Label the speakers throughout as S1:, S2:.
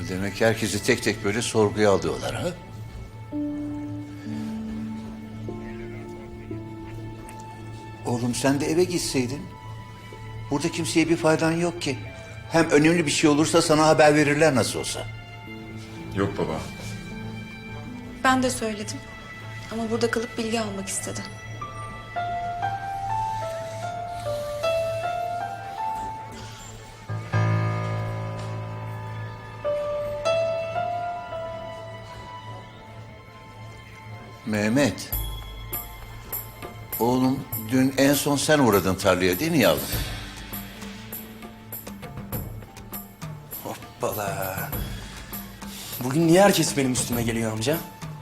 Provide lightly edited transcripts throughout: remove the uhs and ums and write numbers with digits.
S1: Demek herkesi tek tek böyle sorguya alıyorlar ha? Oğlum sen de eve gitseydin. Burada kimseye bir faydan yok ki. Hem önemli bir şey olursa sana haber verirler nasıl olsa.
S2: Yok baba.
S3: Ben de söyledim. Ama burada kalıp bilgi almak istedi.
S1: Mehmet. Oğlum dün en son sen uğradın tarlaya değil mi yavrum?
S4: Hoppala. Bugün niye herkes benim üstüme geliyor amca?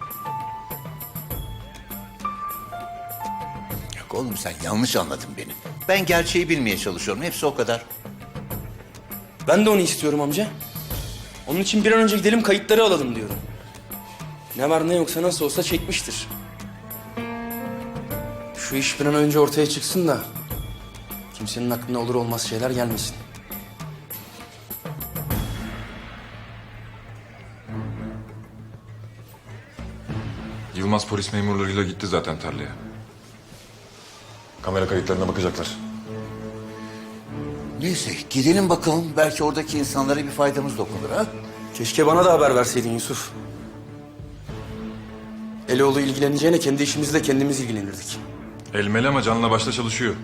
S1: Yok oğlum sen yanlış anladın beni. Ben gerçeği bilmeye çalışıyorum. Hepsi o kadar.
S4: Ben de onu istiyorum amca. Onun için bir an önce gidelim kayıtları alalım diyorum. Ne var ne yoksa nasıl olsa çekmiştir. Şu iş bir an önce ortaya çıksın da kimsenin aklına olur olmaz şeyler gelmesin.
S2: Yılmaz polis memurlarıyla gitti zaten tarlaya. Kamera kayıtlarına bakacaklar.
S1: Neyse gidelim bakalım. Belki oradaki insanlara bir faydamız dokunur ha?
S4: Keşke bana da haber verseydin Yusuf. Eloğlu ilgileneceğine kendi işimizle kendimiz ilgilenirdik.
S2: Elmeli ama canla başla çalışıyor.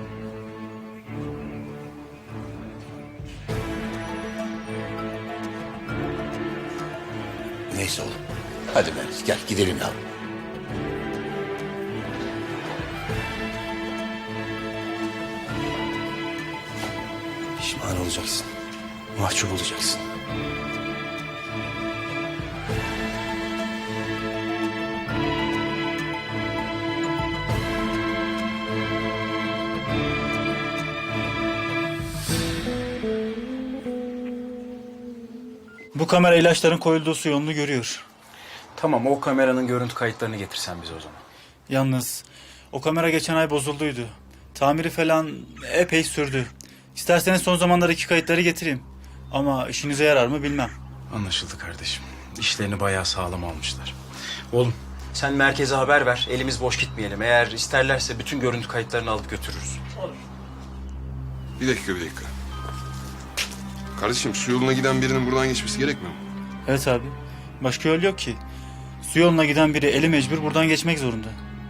S1: Neyse oğlum. Hadi Melis gel gidelim yavrum.
S4: Pişman olacaksın. Mahcup olacaksın.
S5: Bu kamera ilaçların koyulduğu su yolunu görüyor.
S6: Tamam, o kameranın görüntü kayıtlarını getirsen bize o zaman.
S5: Yalnız o kamera geçen ay bozulduydu. Tamiri falan epey sürdü. İsterseniz son zamanlardaki kayıtları getireyim. Ama işinize yarar mı bilmem.
S6: Anlaşıldı kardeşim. İşlerini bayağı sağlam almışlar. Oğlum, sen merkeze haber ver. Elimiz boş gitmeyelim. Eğer isterlerse bütün görüntü kayıtlarını alıp götürürüz.
S7: Bir dakika. Kardeşim su yoluna giden birinin buradan geçmesi gerekmiyor mu?
S5: Evet abi. Başka yol yok ki. Su yoluna giden biri eli mecbur buradan geçmek zorunda.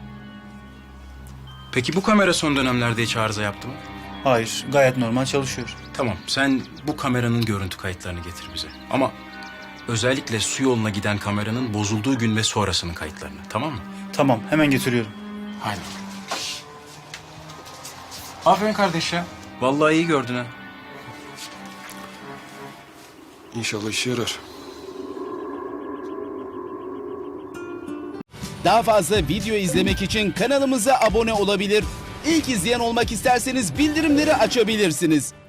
S6: Peki bu kamera son dönemlerde hiç arıza yaptı mı?
S5: Hayır, gayet normal çalışıyor.
S6: Tamam, sen bu kameranın görüntü kayıtlarını getir bize. Ama özellikle su yoluna giden kameranın bozulduğu gün ve sonrasının kayıtlarını, tamam mı?
S5: Tamam, hemen getiriyorum.
S6: Haydi. Aferin kardeş ya. Vallahi iyi gördün ha.
S7: İnşallah işe yarar.
S8: Daha fazla video izlemek için kanalımıza abone olabilir. İlk izleyen olmak isterseniz bildirimleri açabilirsiniz.